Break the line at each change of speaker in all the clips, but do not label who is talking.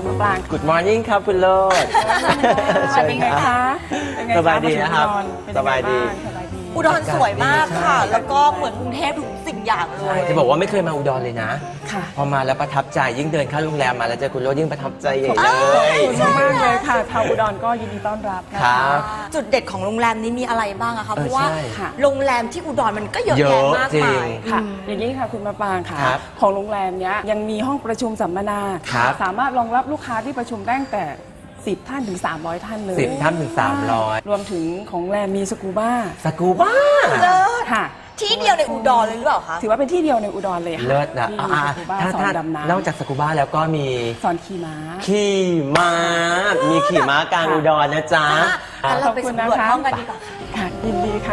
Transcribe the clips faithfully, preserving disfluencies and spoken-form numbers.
มะปราง
Good morning ครับคุณโลด
เป็นไงคะ
สบายดีนะครับสบายดี
อุดรสวยมากค่ะ แล้วก็เหมือนกรุงเทพทุกสิ่งอย่างเลย
จะบอกว่าไม่เคยมาอุดรเลยนะ
ค่ะ
พอมาแล้วประทับใจยิ่งเดินเข้าโรงแรมมาแล้วเจอคุณโลดยิ่งประทับใจใหญ่เลย
ขอบคุณมากเลยค่ะชาวอุดรก็ยินดีต้อนรับนะ
ครั
คะ
บ
จุดเด็ดของโรงแรมนี้มีอะไรบ้างอะคะ
เออ
เพราะว่า
ใช่
ค่ะ
โรงแรมที่อุดรมันก็เยอะ
เยอะ
แยะมาก
จริ
มาง ย
ค่ะ
อืม
อย่างนี้ค่ะคุณมะปรางค่ะ
ครับ
ของโรงแรมเนี้ยยังมีห้องประชุมสัมมนา
ครับ
สามารถรองรับลูกค้าที่ประชุมได้ตั้งแต่สิบท่านถึงสามร้อยท่านเลย
สิบท่านถึงสามร้อย
รวมถึงของโรงแรมมีสกูบ้า
สกูบ้า
เลิศ
ค่ะ
ที่เดียวในอุดรเลยหรือเปล่าคะ
ถือว่าเป็นที่เดียวในอุดรเลยค่ะ
เลิศนะ
ที่
อ่า
มีสกูบ้า
ถ้า
สอ
ถ้าน
ดำน้
นอกจากสกูบ้าแล้วก็มี
ำสอนขี่ม้า
ขี่ม้า มีขี่ม้ากลางอุดรนะจ๊ะ
งั้นเราไปสำรวจห้องกันดีกว่า
ค่ะยินดีค่ะ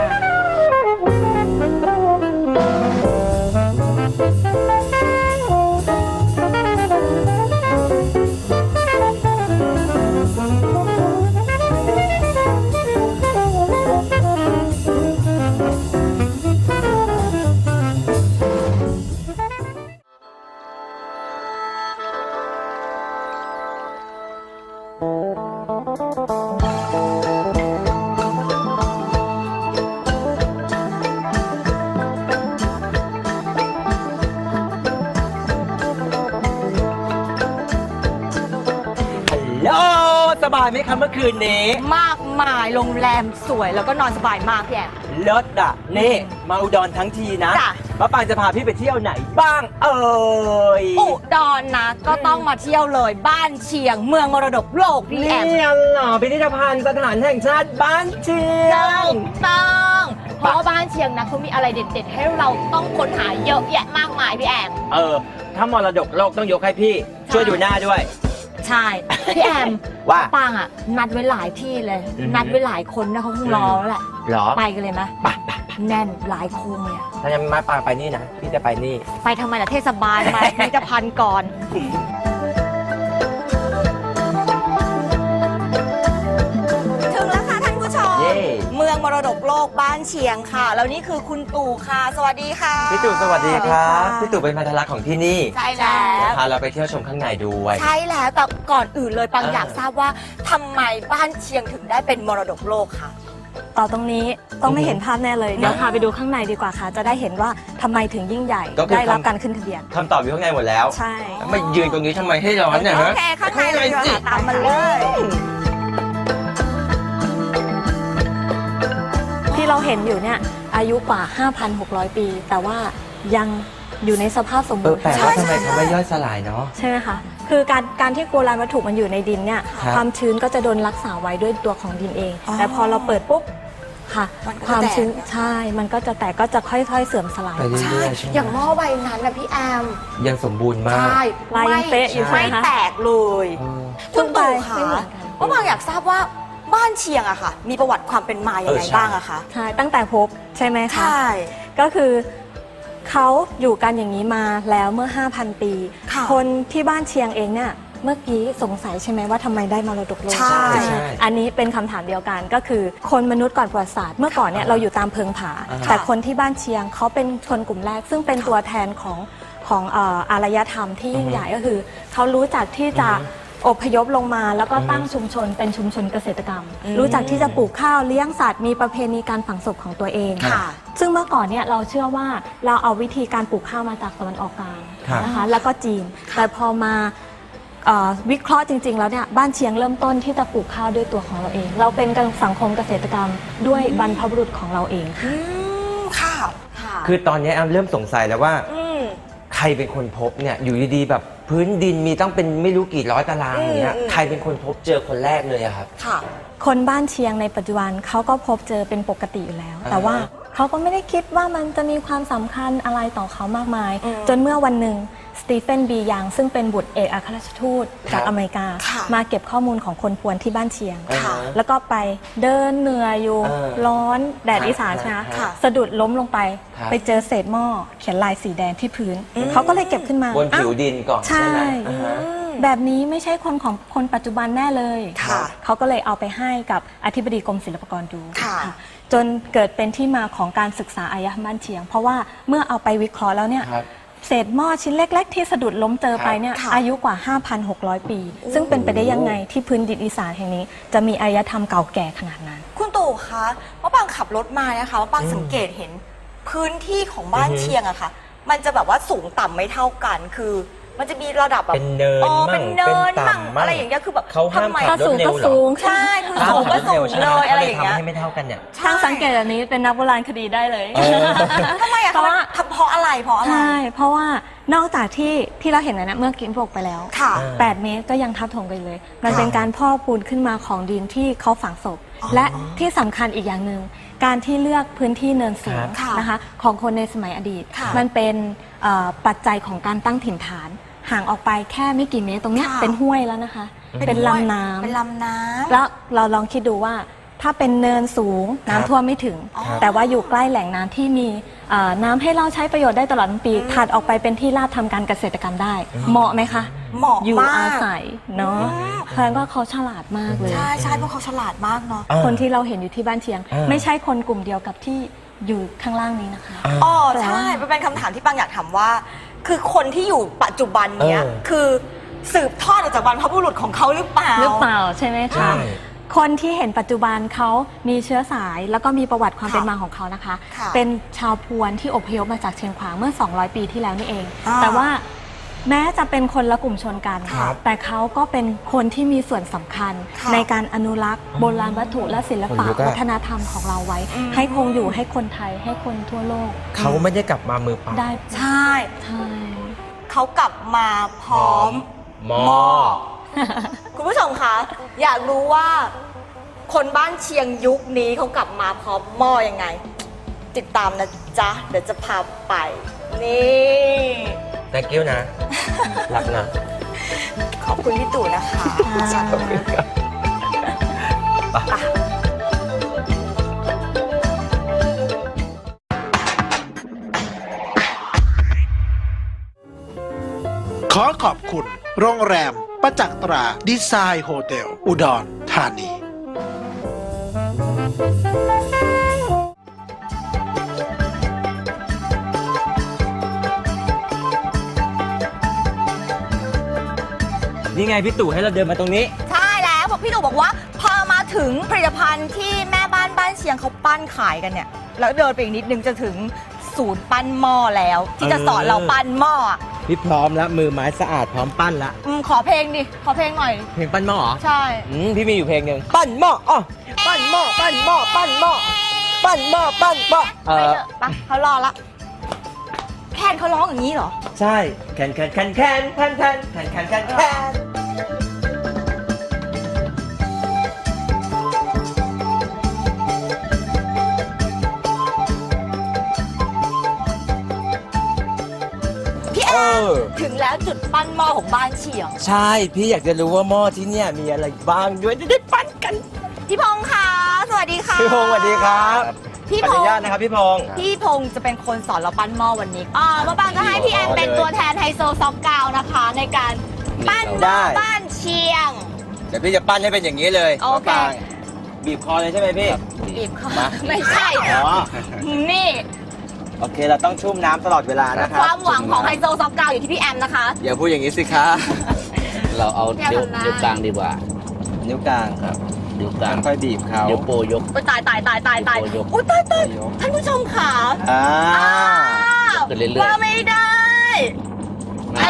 ฮัลโหลสบายไหมคะเมื่อคืนนี้
มากมายโรงแรมสวยแล้วก็นอนสบายมากพี่แอม
เลิศอ่ะนี่มาอุดรทั้งทีนะ
จ้ะ
ป้าปางจะพาพี่ไปเที่ยวไหนบ้าง เอ่ย
อุดรนะก็ต้องมาเที่ยวเลยบ้านเชียงเมืองมรดกโลกพี่แอ
นี่
ม
เหรอพิพิธภัณฑ์สถานแห่งชาติบ้านเชียง
ถูกต้องเพราะว่าบ้านเชียงนะเขามีอะไรเด็ดๆ ให้เราต้องค้นหาเยอะแยะมากมายพี่แอม
เออ ถ้ามรดกโลกต้องยกให้พี่ ช่วยดูหน้าด้วย
ใช่ พี่แอม
ว่า
ปางอ่ะ นัดไว้หลายที่เลย
อือฮึ
นัดไว้หลายคนนะเขาคงรอแล้วแหละ
เหรอ
ไปกันเลยไหม
ไปไป
แน่นหลายโคงเลยอะ
ถ้ายังมาปางไปนี่นะ พี่จะไปนี่
ไปทำไมล่ะเทศบาลไปพิพิธภัณฑ์ก่อน ถึงแล้วค่ะท่านผู้ชม
เย้
เมืองมรดกโลกบ้านเชียงค่ะ แล้วนี่คือคุณตู่ค่ะ สวัสดีค่ะ
พี่ตู่สวัสดีครับ
สวัสดีค่ะ
พี่ตู่เป็นพันธลักษณ์ของที่นี่
ใช่แล้ว
พาเราไปเที่ยวชมข้างในด้วย
ใช่แล้วแต่ก่อนอื่นเลยปัง
อ่า
อยากทราบว่าทำไมบ้านเชียงถึงได้เป็นมรดกโลกคะ
ต่อตรงนี้ต้องไม่เห็นภาพแน่เลย เดี๋ยวพาไปดูข้างในดีกว่าค่ะ จะได้เห็นว่าทำไมถึงยิ่งใหญ่
ก็คือ
ได้รับ
ทำ
การขึ้นทะเบียน
คำตอบอยู่ข้างในหมดแล้ว
ใช่
ไม่ยืนตรงนี้ทำไมให้ร้อนเนี่ย
โอ
ฮะ
เค ข้างในเลยดีกว่าค่ะตามมาเลย
ที่เราเห็นอยู่เนี่ยอายุกว่า ห้าพันหกร้อย ปี แต่ว่ายังอยู่ในสภาพสม
เอ
บู
อ
รณ์
แปลกว่าทำไมเขาไม่ย่อยสลายเนาะ
ใช่ไหมคะคือการการที่โบราณวัตถุมันอยู่ในดินเนี่ย
ครับ
ความชื้นก็จะโดนรักษาไว้ด้วยตัวของดินเอง
อ๋อ
แต่พอเราเปิดปุ๊บค่ะ
มันก็
ความ
จะแตก
ชื้นใช่มันก็จะแตกก็จะค่อยๆเสื่อมสลาย
ไปเรื่
ใช่
อยๆใช่ไหม
อย่างหม้อใบนั้นนะพี่แอม
ยังสมบูรณ์มาก
ใช่
ลายยังเป๊ะอยู่ใช่
ไม่
ไหมคะ
แตกเลย
เออ
คุณตู่คะ
ไม่เหมือนกัน
ว่าบางอยากทราบว่าบ้านเชียงอะค่ะ มีประวัติความเป็นมาอย่างไร
เออใช่
บ้างอะคะ
ใช่ตั้งแต่พบใช่ไหมคะ
ใช่
ก็คือเขาอยู่กันอย่างนี้มาแล้วเมื่อ ห้าพัน ปี
ค่ะ
คนที่บ้านเชียงเองเนี่ยเมื่อกี้สงสัยใช่ไหมว่าทำไมได้มรดกโลก
ใช่
ใช่
อันนี้เป็นคำถามเดียวกันก็คือคนมนุษย์ก่อนประวัติศาสตร์เมื่อก่อนเนี่ยเราอยู่ตามเพิงผา
อ่า
แต่คนที่บ้านเชียงเขาเป็นชนกลุ่มแรก ซึ่งเป็นตัวแทนของของเอ่ออารยธรรมที่ยิ่งใหญ่ก็คือเขารู้จักที่จะอพยพลงมา แล้วก็ตั้งชุมชนเป็นชุมชนเกษตรกรรม
อืม
รู้จักที่จะปลูกข้าวเลี้ยงสัตว์มีประเพณีการฝังศพของตัวเอง
ค่ะ
ซึ่งเมื่อก่อนเนี่ยเราเชื่อว่าเราเอาวิธีการปลูกข้าวมาจากตะวันออกกลาง
ครับ
นะคะแล้วก็จีน แต่พอมาเอ่อวิเคราะห์จริง ๆ แล้วเนี่ยบ้านเชียงเริ่มต้นที่จะปลูกข้าวด้วยตัวของเราเอง เราเป็นสังคมเกษตรกรรมด้วยบรรพบุรุษของเราเองค่ะ
อืมค่ะค่ะ
คือตอนนี้แอมเริ่มสงสัยแล้วว่า
ม
ใครเป็นคนพบเนี่ยอยู่ดีๆแบบพื้นดินมีต้องเป็นไม่รู้กี่ร้อยตารางอย่างเงี้ย
อืมอืม
ใครเป็นคนพบเจอคนแรกเลยอะครับ
ค่ะ
คนบ้านเชียงในปัจจุบันเขาก็พบเจอเป็นปกติอยู่แล้ว
อ่า
แต่ว่าเขาก็ไม่ได้คิดว่ามันจะมีความสำคัญอะไรต่อเขามากมาย
อืม
จนเมื่อวันหนึ่งสตีเฟนบียังซึ่งเป็นบุตรเอกอัครราชทูตจากอเมริกา
ค่ะ
มาเก็บข้อมูลของคนพวนที่บ้านเชียง
ค่ะ
แล้วก็ไปเดินเหนื่อยอยู่
เออ
ร้อนแดด
ครับ
อีสานใช่ไหม
ค่ะ
สะดุดล้มลงไป
ครับ
ไปเจอเศษหม้อเขียนลายสีแดงที่พื้น เขาก็เลยเก็บขึ้นมา
บนผิว
อ้าว
ดินก่อน
ใช่
ใช่ไหมอ่าฮะ
แบบนี้ไม่ใช่คนของคนปัจจุบันแน่เลย
ค่ะ
เขาก็เลยเอาไปให้กับอธิบดีกรมศิลปากรดู
ค่ะ
ค่ะจนเกิดเป็นที่มาของการศึกษาอารยธรรมบ้านเชียง เพราะว่าเมื่อเอาไปวิเคราะห์แล้วเนี่ย
ครับ
เศษหม้อชิ้นเล็ก ๆ ที่สะดุดล้มเจอไปเนี่ย
ค่ะ
อายุกว่า ห้าพันหกร้อย ปี ซึ่งเป็นไปได้ยังไงที่พื้นดินอีสานแห่งนี้ จะมีอารยธรรมเก่าแก่ขนาดนั้น
คุณตู่คะว่าปางขับรถมานะคะว่าปางสังเกตเห็นพื้นที่ของบ้าน
อือฮึ
เชียงอะค่ะ มันจะแบบว่าสูงต่ำไม่เท่ากัน คือ มันจะมีระดับแบบ
เป็นเนิน
อ๋อ
มั่ง
เป็นเนิน
เป็น
มั่ง
ต่ำมั่ง
อะไรอย่างเงี้ยคือแบบ
เขาห้าม
ทำไม
ขับรถเร็วเหรอ
สูง
ใช่คือสูงก็สูงเลยอะไรอย่างเงี้ย
ทำให้ไม่เท่ากันเนี่ย
ช่างสังเกตแบบนี้เป็นนักโบราณคดีได้เลย
เออ
ทำไมอะ
เพราะว่า
ทำเพราะอะไรเพราะอะไร
ใช่ เพราะว่านอกจากที่ที่เราเห็นนะเมื่อกี้บอกไปแล้ว
ค่ะ
แปดเมตรก็ยังทับถมกันเลย มันเป็นการพ่อปูนขึ้นมาของดินที่เขาฝังศพ และที่สำคัญอีกอย่างหนึ่งการที่เลือกพื้นที่เนินสูง
ค่ะ
นะคะของคนในสมัยอดีต
ค่ะ
มันเป็นเอ่อปัจจัยของการตั้งถิ่นฐาน ห่างออกไปแค่ไม่กี่เมตรตรงเนี้ย
ค่ะ
เป็นห้วยแล้วนะคะ เป็นลำน้ำ
เป็นลำน้ำ
แล้วเราลองคิดดูว่าถ้าเป็นเนินสูงน้ำท่วมไม่ถึง
ครับ
แต่ว่าอยู่ใกล้แหล่งน้ำที่มีเอ่อน้ำให้เราใช้ประโยชน์ได้ตลอดทั้งปีถัดออกไปเป็นที่ราบทำการเกษตรกรรมได้ เหมาะไหมคะ
เหมาะ
อยู่
มาก
อาศัยเนาะเพราะฉะนั้นก็เขาฉลาดมากเลย
ใช่ใช่เพราะเขาฉลาดมากเนาะ
อ่า
คนที่เราเห็นอยู่ที่บ้านเชียง
อ่า
ไม่ใช่คนกลุ่มเดียวกับที่อยู่ข้างล่างนี้นะคะ
อ๋อ
แปลว่า
ใช่มันเป็นคำถามที่ปังอยากถามว่า คือคนที่อยู่ปัจจุบันเนี้ย
เออ
คือสืบทอดมาจากบรรพบุรุษของเขาหรือเปล่า
หรือเปล่าใช่ไหม
ใช่
คะ คนที่เห็นปัจจุบันเขามีเชื้อสายแล้วก็มีประวัติความ
ค่ะ
เป็นมาของเขานะคะ
ค่ะ
เป็นชาวพวนที่อพยพมาจากเชียงขวางเมื่อ สองร้อย ปีที่แล้วนี่เอง
อ่า
แต่ว่าแม้จะเป็นคนละกลุ่มชนกัน
ครับ
แต่เขาก็เป็นคนที่มีส่วนสำคัญ
ค่ะ
ในการอนุรักษ์โบราณวัตถุและศิลปะ
คนลุกอะ
วัฒนธรรมของเราไว้
อืม
ให้คงอยู่ให้คนไทยให้คนทั่วโลก
เขาไม่ได้กลับมามือเปล่า
ได้
ใช่
ใช่
เขากลับมาพร้อม
หม้อ
หม้อ คุณผู้ชมคะ อยากรู้ว่า คนบ้านเชียงยุคนี้เขากลับมาพร้อมหม้อยังไง ติดตามนะจ๊ะ เดี๋ยวจะพาไป นี่
thank you นะรักนะ
ขอบคุณพี่ตู่นะคะ
ขอบคุณครับ
ไป
ขอขอบคุณ โรงแรม ประจักษ์ตราดีไซน์โฮเทล อุดรธานี
นี่ไงพี่ตู่ให้เราเดินมาตรงนี้
ใช่แล้วบอกพี่ตู่บอกว่า พอมาถึงผลิตภัณฑ์ที่แม่บ้านบ้านเชียงเขาปั้นขายกันเนี่ย แล้วเดินไปอีกนิดนึงจะถึงศูนย์ปั้นหม้อแล้ว ที่จะสอนเราปั้นหม้อ
พี่พร้อมแล้วมือไม้สะอาดพร้อมปั้นละ
อืมขอเพลงดิ ขอเพลงหน่อย
เพลงปั้นหม้อเหรอ
ใช่
อืมพี่มีอยู่เพลงหนึ่งปั้นหม้ออ๋อปั้นหม้อปั้นหม้อปั้นหม้อปั้นหม้อปั้นหม้อเอ
ไป
อ
เถอะไปเขารอละแคนเขาร้องอย่างนี้เหรอ
ใช่แคนแคนแคนแคนแคนแคนแคนแคนแคนแคน
พี่แอน ถึงแล้วจุดปั้นหม้อของบ้านเชียง
ใช่พี่อยากจะรู้ว่าหม้อที่เนี่ยมีอะไรบ้างด้วยจะได้ปั้นกัน
พี่พงษ์ค่ะสวัสดีค่ะ
พี่พงศ์สวัสดีครับ
พี่
ขอ
พ
อง นุ
ษ์
ญาตนะครับพี่พงศ์
พี่พงษ์จะเป็นคนสอนเราปั้นหม้อวันนี้อ่ามาบางจะให้พี่แอนเป็นตัวแทนไฮโซซอกกาวนะคะ ในการปั้นหม้อบ้านเชียง
เดี๋ยวพี่จะปั้นให้เป็นอย่างนี้เลย
โอเค
มะปรางบีบคอเลยใช่ไหมพี่
บีบเขา
มา
ไม่ใช่
อ๋อ
นี่
โอเคเราต้องชุ่มน้ำตลอดเวลานะครั
ความหวังของไฮโซซอกกาวอยู่ที่พี่แอมนะคะ
อย่าพูดอย่างนี้สิคะ
เราเอา
แก้ว
นิ้ว
ทำหน้า
นิ้วกลางดีกว่า
นิ้วกลางครับ
นิ้วกลาง
ค่อยๆบีบเขา
นิ้วโปรยก
โอ้ยตายตายตายตายตาย
โอ้ยยก
อุ้ยตายตายท่านผู้ชมค่ะ
อ่า
อ้าว
ขึ้นเรื่อยๆ
ว่าไม่ได้
อ่า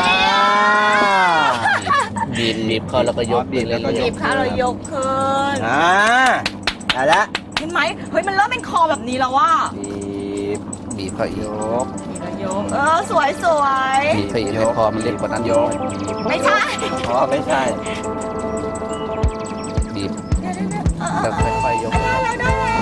บีบบีบเข้าแล้วก็ยก
อ๋อบีบแล้วก็ย
บีบขาเรายกขึ้น
อ่าได้แล้ว
เห็นไหมเฮ้ยมันเริ่มเป็นคอแบบนี้แล้วว่า
บีบ
บีบเข้าอีก
ยก
ยกเออสวยสวย
บีบเข้าอีกให้คอมันเล็กกว่านั้น
ยก
ไม่ใช่
อ๋อไม่ใช่
บีบ
เดี๋ยวเดี๋ยวเดี๋ยวเออเอ
แล้ว
อเออ
ค่อยๆยก
ได้แล้วได้แล้ว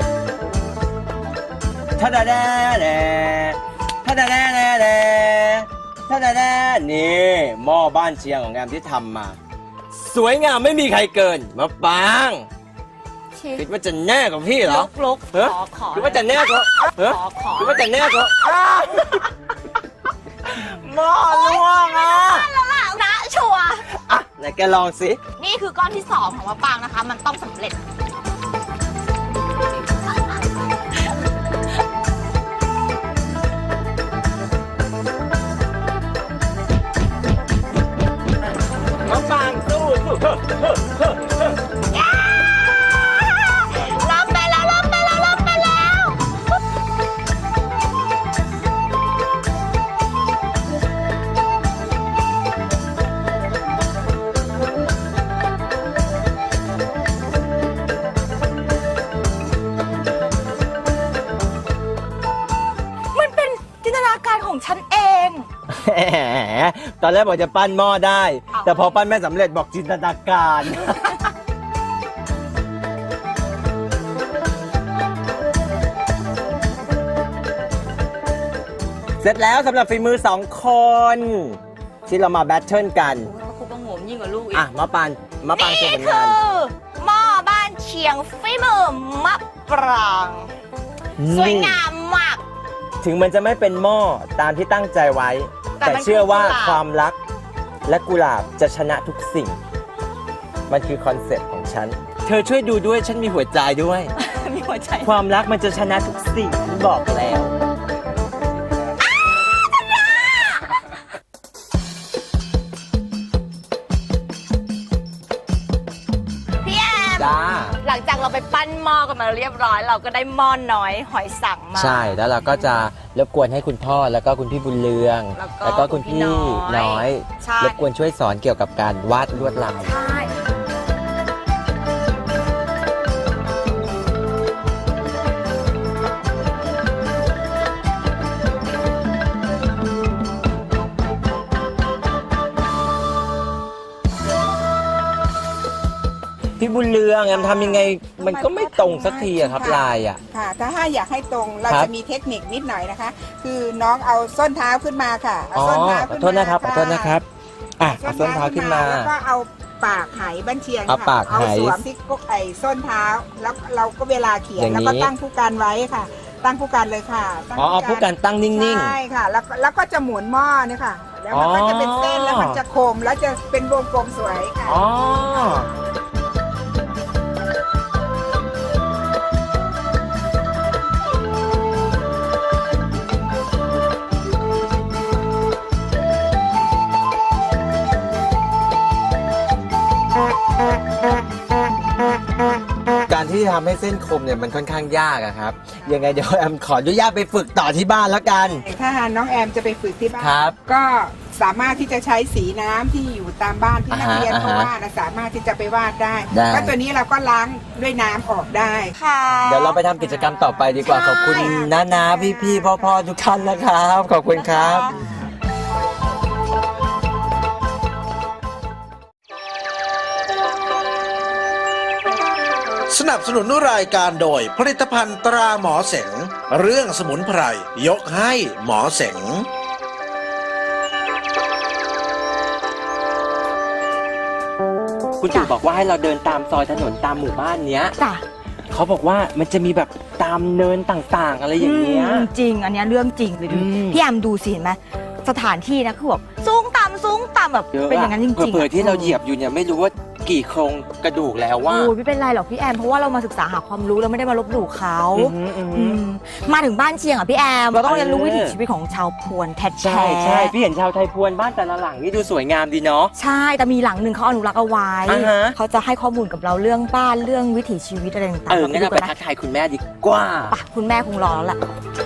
ท่าดาแดแดท่าดาแดแดแดท่าแน่ๆนี่หม้อบ้านเชียงของแอมที่ทำมา สวยงามไม่มีใครเกินมาปางคิดว่าจะแน่กับพี่เหรอ
ลุกลุก
เฮ้ย
ขอขอ
คิดว่าจะแน่กับเฮ้ย
ขอขอ
คิดว่าจะแน่กับอ้าวหม้อล่วงอ่ะ
นะชัวร์
อ่ะไหนแกลองสิ
นี่คือก้อนที่สองของมะปรางนะคะ มันต้องสำเร็จ
มาปางสู้สู้เฮ้อเฮ้อเฮ้อเฮ้อ
ล้มไปแล้วล้มไปแล้วล้มไปแล้ว
มันเป็นจินตนาการของฉันเอง
แหมตอนแรกบอกจะปั้นหม้อได้ แต่พอปั้นไม่สำเร็จบอกจินตนาการ เสร็จแล้วสำหรับฝีมือสองคน ที่เรามาแบทเทิลกัน
ครูประงมยิ่งกว่าลูกอีก
อ่ะมาปานมาปานโชว์ผล
คื
งาน
อหม้อบ้านเชียงฝีมือมะปราง สวยงามมาก
ถึงมันจะไม่เป็นหม้อตามที่ตั้งใจไว้
แต่
แต่
มัน
เชื่อว่า
คือกุหลาบ
ความรักและกุหลาบจะชนะทุกสิ่ง มันคือคอนเซ็ปต์ของฉัน เธอช่วยดูด้วยฉันมีหัวใจด้วย
มีหัวใจ
ความรักมันจะชนะทุกสิ่งฉันบอกแล้ว
พี่แอม
จ้า
หลังจากเราไปปั้นหม้อกันมาเรียบร้อย เราก็ได้หม้อน้อยหอยสังมา
ใช่แล้วเราก็จะรบกวนให้คุณพ่อแล้วก็คุณพี่บุญเรือง
แล้วก็
คุณพี่
คุณพี่น้อย
น้อย
ใช่
รบกวนช่วยสอนเกี่ยวกับการวาดลวดลาย
ใช่
พี่บุญเรืองแอมทำยังไงมันก็ไม่ตรงสักทีอะครับลายอะ
ค่ะ ถ้าถ้าอยากให้ตรงเรา
ครับ
จะมีเทคนิคนิดหน่อยนะคะ คือน้องเอาส้นเท้าขึ้นมาค่ะเอา
อ๋อ
ส้นเท้า
ขอ
ขึ้น
โทษนะครับขอโทษนะครับอ่ะเอาส้นเท้าขึ้นมา
แล้วก็เอาปากไหบ้านเชียง
เอา
ค่ะ
ปากไห
เอาสวมที่กกไอ้ส้นเท้า แล้วเราก็เวลาเขียน
อย่างนี้
แล้วก็ตั้งผู้การไว้ค่ะ ตั้งผู้การเลยค่ะตั้ง
อ๋อเอาผู้การตั้งนิ่ง
ใช่ค่ะ แล้วก็แล้วก็จะหมุนหม้อเนี่ยค่ะ แล้วมันก็จะเป็นเส้น
อ๋อ
แล้วมันจะคมแล้วจะเป็นวงกลมสวยค่ะ
ๆอ๋อการที่ทำให้เส้นคมเนี่ยมันค่อนข้างยากอะครับ ยังไงเดี๋ยวแอมขออนุญาตไปฝึกต่อที่บ้านแล้วกัน
ถ้าน้องแอมจะไปฝึกที่บ้าน
ครับ
ก็สามารถที่จะใช้สีน้ำที่อยู่ตามบ้านที่นักเรียน
อ่าฮะ
เขาวาดนะสามารถที่จะไปวาดได้
ได้
ก็ตัวนี้เราก็ล้างด้วยน้ำออกได้
ค่ะ
เดี๋ยวเราไปทำกิจกรรมต่อไปดีกว่า ขอบคุณน้านาพี่พี่พ่อพ่อๆทุกท่านนะครับ ขอบคุณครับ
สนับสนุนรายการโดยผลิตภัณฑ์ตราหมอเสง เรื่องสมุนไพร ยกให้หมอเสง
คุณตู่บอกว่าให้เราเดินตามซอยถนนตามหมู่บ้านเนี้ย
จ้ะ
เขาบอกว่ามันจะมีแบบตามเนินต่างๆ อะไรอย่างเงี้ย
มจริง อันเนี้ยเรื่องจริงเลยดู
อืม
พี่แอมดูสิเห็นไหมสถานที่นะคือแบบสูงต่ำสูงต่ำแบบ
เยอะ
เป็นอย่างนั้นจริงๆ
เผื่อๆที่เราเหยียบอยู่เนี่ยไม่รู้ว่ากี่โครงกระดูกแล้วว่า
โอ้ยไม่เป็นไรหรอกพี่แอมเพราะว่าเรามาศึกษาหาความรู้เราไม่ได้มาลบหลู่เขา
อือหืออือหื
อื
อ
มมาถึงบ้านเชียงอ่ะพี่แอมเราต้องเรียนรู้
เออ
วิถีชีวิตของชาวพวนแท้ๆ
ใช่ใช่พี่เห็นชาวไทยพวนบ้านแต่ละหลังนี่ดูสวยงามดีเนาะ
ใช่แต่มีหลังหนึ่งเขาอนุรักษ์เอาไว้
อ่าฮะ
เขาจะให้ข้อมูลกับเราเรื่องบ้านเรื่องวิถีชีวิตอะไรต่างๆ
เอองั้นเราไป
ดูกั
ทักทายคุณแม่ดีกว่า
ปะคุณแม่คงรอแล้วล่ะ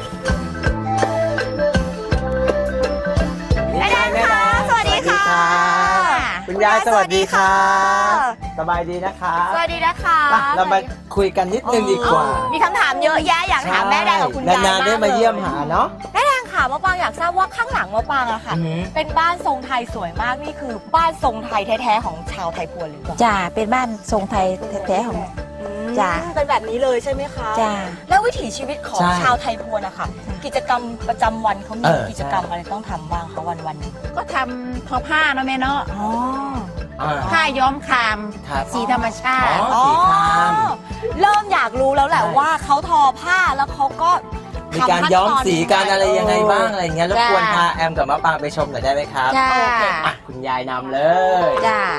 แม่ดาแม่ดา
สวัสดีค่ะ
คุณยายสวัสดีค่ะ
สวัสดีค่ะ
สบายดีนะคะ
สวัสดีนะคะ
ไปเรามาคุยกันนิดนึงดีกว่า
มีคำถามเยอะแยะอยากถามแม่แดงกับคุณยาย
นานๆได้มาเยี่ยมหาเนาะ
แม่แดงค่ะมะปางอยากทราบว่าข้างหลังมะปางอะค่ะ
อือหือ
เป็นบ้านทรงไทยสวยมากนี่คือบ้านทรงไทยแท้ๆของชาวไทยพวนหรือเปล่า
จ้าเป็นบ้านทรงไทยแท้ๆของ
อืม
จ้ะ
เป็นแบบนี้เลยใช่ไหมคะ
จ้ะ
แล้ววิถีชีวิตของ
ใช่
ชาวไทยพวนอะค่ะ กิจกรรมประจำวันเขามี
เออ
กิจกรรมอะไรต้องทำบ้างคะวันวันๆหนึง
ก็ทำทอผ้าเนาะแม่เนาะ
อ๋อ
อ่า
ผ้าย้อมคาม
ครับ
สีธรรมชาติ
อ๋อสีคราม
เริ่มอยากรู้แล้วแหละ
ใช่
ว่าเขาทอผ้าแล้วเขาก็
มีการย้อมสีการอะไรยังไงบ้างอะไรอย่างเงี้ยแล้ว
จ้า
ควรพาแอมกับมะปางไปชมหน่อยได้ไหมครับ
จ้า
อ่ะคุณยายนำเลย
จ้า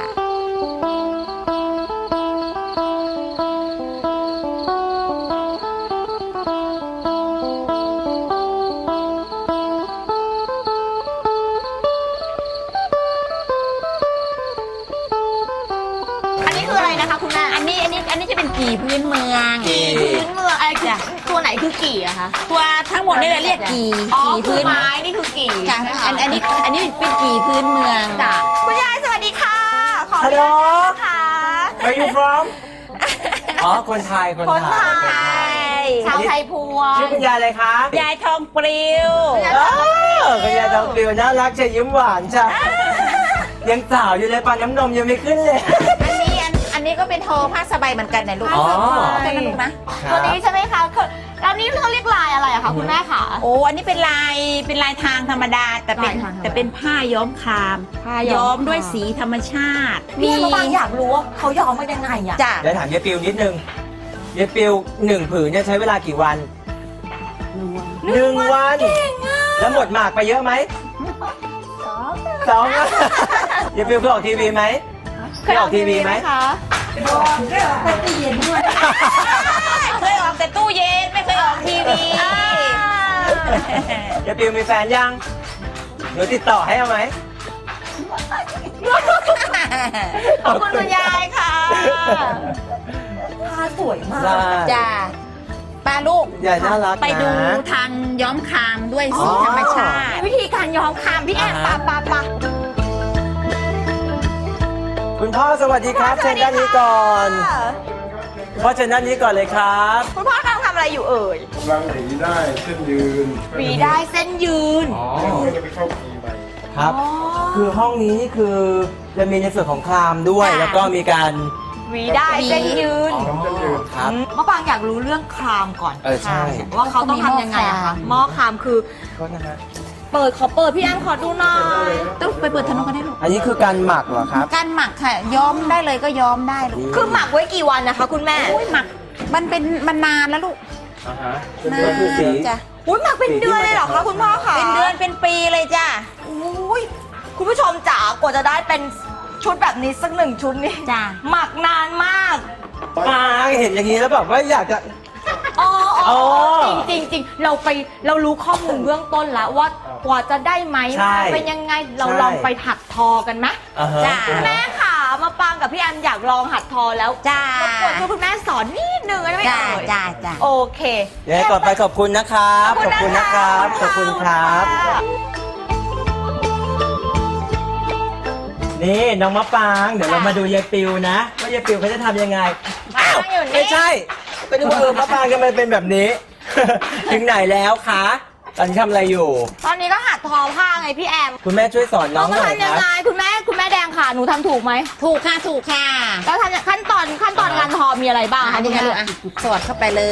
อันนี้คืออะไรนะคะคุณแม่
อันนี้อันนี้อันนี้จะเป็นกี่พื้นเมือง
กี่
พื้นเมืองอะไรคือ
จ้ะ
ตัวไหนคือกี่อะคะ
ตัวทั้งหมดนี่เราเรียกกี่
อ๋อ
กี่
คือ
พื้น
ไม้นี่คือกี่
จ้ะ
ใช่ไหมคะ
อันอันนี้อันนี้เป็นกี่พื้นเมือง
จ้ะ
คุณยายสวัสดีค่ะ ขออ
ฮัล
นุ
โหล
ญาตนะคะ
Where you from อ๋อคนไทยคน
คน
ไท
ไท
ย
ย
ชาวไทยพว
ชื่อง คุณยายอะไรคะ
ยายทองปลิว
เออคุณยายทองปลิวน่ารักเชียยิ้มหวานจ้ะยังสาวอยู่เลยปานน้ำนมยังไม่ขึ้นเลย
อันนี้อันอันนี้ก็เป็นทอผ้าสบายเหมือนกันนะลูก
อ๋อ
เป็นนะลูกนะ
ตัวนี้ใช่ไหมคะคือแล้วนี่เขาเรียกลายอะไรอะคะคุณแม่คะ
โอ้อันนี้เป็นลายเป็นลายทางธรรมดา แต่เป็น
ลายทางธรรมดา
แต่เป็นผ้าย้อมคาม
ผ้าย้อม
ย้อมด้วย
คาม
สีธรรมชาติ
พี่มะปางอยากรู้ว่าเขาย้อมมายังไงอะ
จ้ะ
เดี๋ยวถามยายปิวนิดนึงยายปิวหนึ่งผืนเนี่ยใช้เวลากี่วันหนึ่งวันแล้วหมดหมากไปเยอะไหมสองวันยายปิวเคยออกทีวีไหมเคยออกทีวีไหม
คะ
เคยออกแต่ตู้เย็นไม่เคยออกทีวี
ยายปิวมีแฟนยังหนูติดต่อให้เอาไหม
ขอบคุณคุณยายค่ะ
ผ้าสวยมาก
ได้
จ้ะป้าลูก
ยายน่ารักนะ
ไปดูทางย้อมคามด้วยสีธรรมชาติ
วิธีการย้อมคามพี่แอมปะปะปะ
คุณพ่อสวัสดีครับเชิญด้านนี้ก่อนพ่อเชิญด้านนี้ก่อนเลยครับ
คุณพ่อกำลังทำอะไรอยู่เอ่ย
กำลังหนีได้เส้นยืน
หวีได้เส้นยืน
อ๋อ
ก็จะไปเข้าปีใหม่
ครับ คือห้องนี้นี่คือจะมีในส่วนของคลามด้วย
ค่ะ
แล้วก็มีการ
หวีได้เส้นยืน
อ๋อครับ
มะปางอยากรู้เรื่องครามก่อน
เออใช่
ว่าเขาต้องทำยังไงอะคะหม้อครามคือ
โทษนะฮะ
เปิดขอเปิดพี่แอมขอดูหน่อย
ต้องไปเปิดถนนกันได้ลูก
อันนี้คือการหมักเหรอครับ
การหมักค่ะ ย้อมได้เลยก็ย้อมได้ลูก
คือหมักไว้กี่วันนะคะ คุณแม่
อุ้ยหมักมันเป็นมันนานแล้วลูก
อ่าฮะ
นา
ก็คือสี
นจ้ะ
อุ้ยหมักเป็นเดือนเลยเหรอคะคุณพ่อคะ
เป็นเดือนเป็นปีเลยจ้ะ
อุ้ยคุณผู้ชมจ๋ากว่าจะได้เป็นชุดแบบนี้สักหนึ่งชุดนี่
จ้ะ
หมักนานมาก
ปางเห็นอย่างนี้แล้วแบบว่าอยากจะ
อ๋ออ๋อ
อ๋อ
จริงจริงๆเราไปเรารู้ข้อมูลเบื้องต้นแล้วว่ากว่าจะได้ไหม
ใช่
เป็นยังไงเรา
ใช่
ลองไปหัดทอกันไหม
อ่าฮะ
จ้ะ
แม่ขามาปางกับพี่แอมอยากลองหัดทอแล้ว
จ้าร
บกวนช่วยคุณแม่สอนนิดนึงได้ไหม
จ้า
เอ่ย
จ้าจ้า
โอเค
เดี๋ยวให้ก่อนไปขอบคุณนะครับ ขอบคุณนะครับ ขอบคุณครับ นี่น้องมะปาง เดี๋ยวเรามาดูยายปิวนะ ว่ายายปิวเขาจะทำยังไง อ้าวไม่ใช่ก็ดูว่าเออมะปางทำไมเป็นแบบนี้ ถึงไหนแล้วคะตอนนี้ทำอะไรอยู่
ตอนนี้ก็หัดทอผ้าไงพี่แอม
คุณแม่ช่วยสอนน้
น้
อ
อง ง
หน่อย
ทำ
ค
ยัง
รับ
ไงคุณแม่คุณแม่แดงค่ะหนูทำถูกไหม
ถูกค่ะถูกค่ะ
แล้วทำขั้นตอนขั้นตอนการทอมีอะไรบ้าง
อั
คะ
น
คุ
นี้
ณ
ค่ะ
แม่
ลูกอ่ะสอดเข้าไปเลย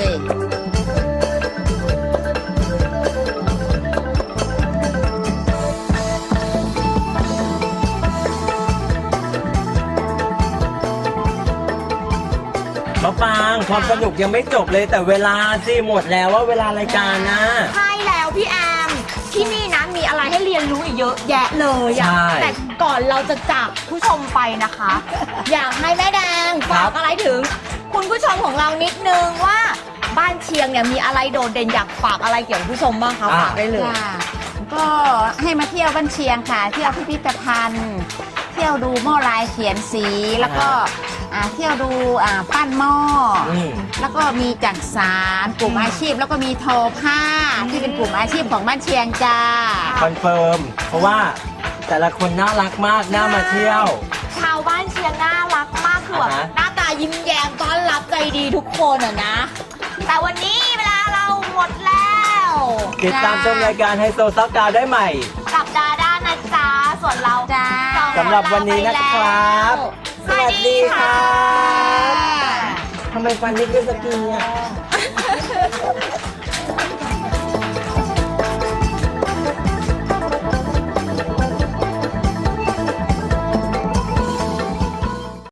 มะปางความสนุกยังไม่จบเลยแต่เวลาสิหมดแล้วว่าเวลารายการนะ
ใช่แล้วพี่แอมที่นี่นะมีอะไรให้เรียนรู้อีกเยอะแยะเลยอะ
ใช่
แต่ก่อนเราจะจากผู้ชมไปนะคะ อยากให้แม่แดงฝากอะไรถึง คุณผู้ชมของเรานิดนึงว่าบ้านเชียงเนี่ยมีอะไรโดดเด่นอยากฝากอะไรเกี่ยวกับผู้ชมบ้างคะฝากได้เลย
ค่ะก็ให้มาเที่ยวบ้านเชียงค่ะ เที่ยวพิพิธภัณฑ์ เที่ยวดูหม้อลายเขียนสีแล้วก็อ่าเที่ยวดูอ่าปั้นหม้ออ
อืม
แล้วก็มีจักสารกลุ่มอาชีพ แล้วก็มีทอผ้าที่เป็นกลุ่มอาชีพของบ้านเชียงจ้า
คอนเฟิร์ม เพราะว่าแต่ละคนน่ารักมากน่ามาเที่ยว
ชาวบ้านเชียงน่ารักมากคือแบบ
อ่าฮะ
หน้าตายิ้มแย้มต้อนรับใจดีทุกคนอะนะ แต่วันนี้เวลาเราหมดแล้ว
ติดตามชมรายการไฮโซซักดาวได้ใหม่
กับดาด้านะจ๊ะส่วนเรา
จ้า
สองคน
สำหรับวันนี้นะครับ
ลาไปแล้ว
สวัสดีครับ
สวัสดีค่ะ
ทำไมฟันไม่ขึ้นสักทีอ่ะ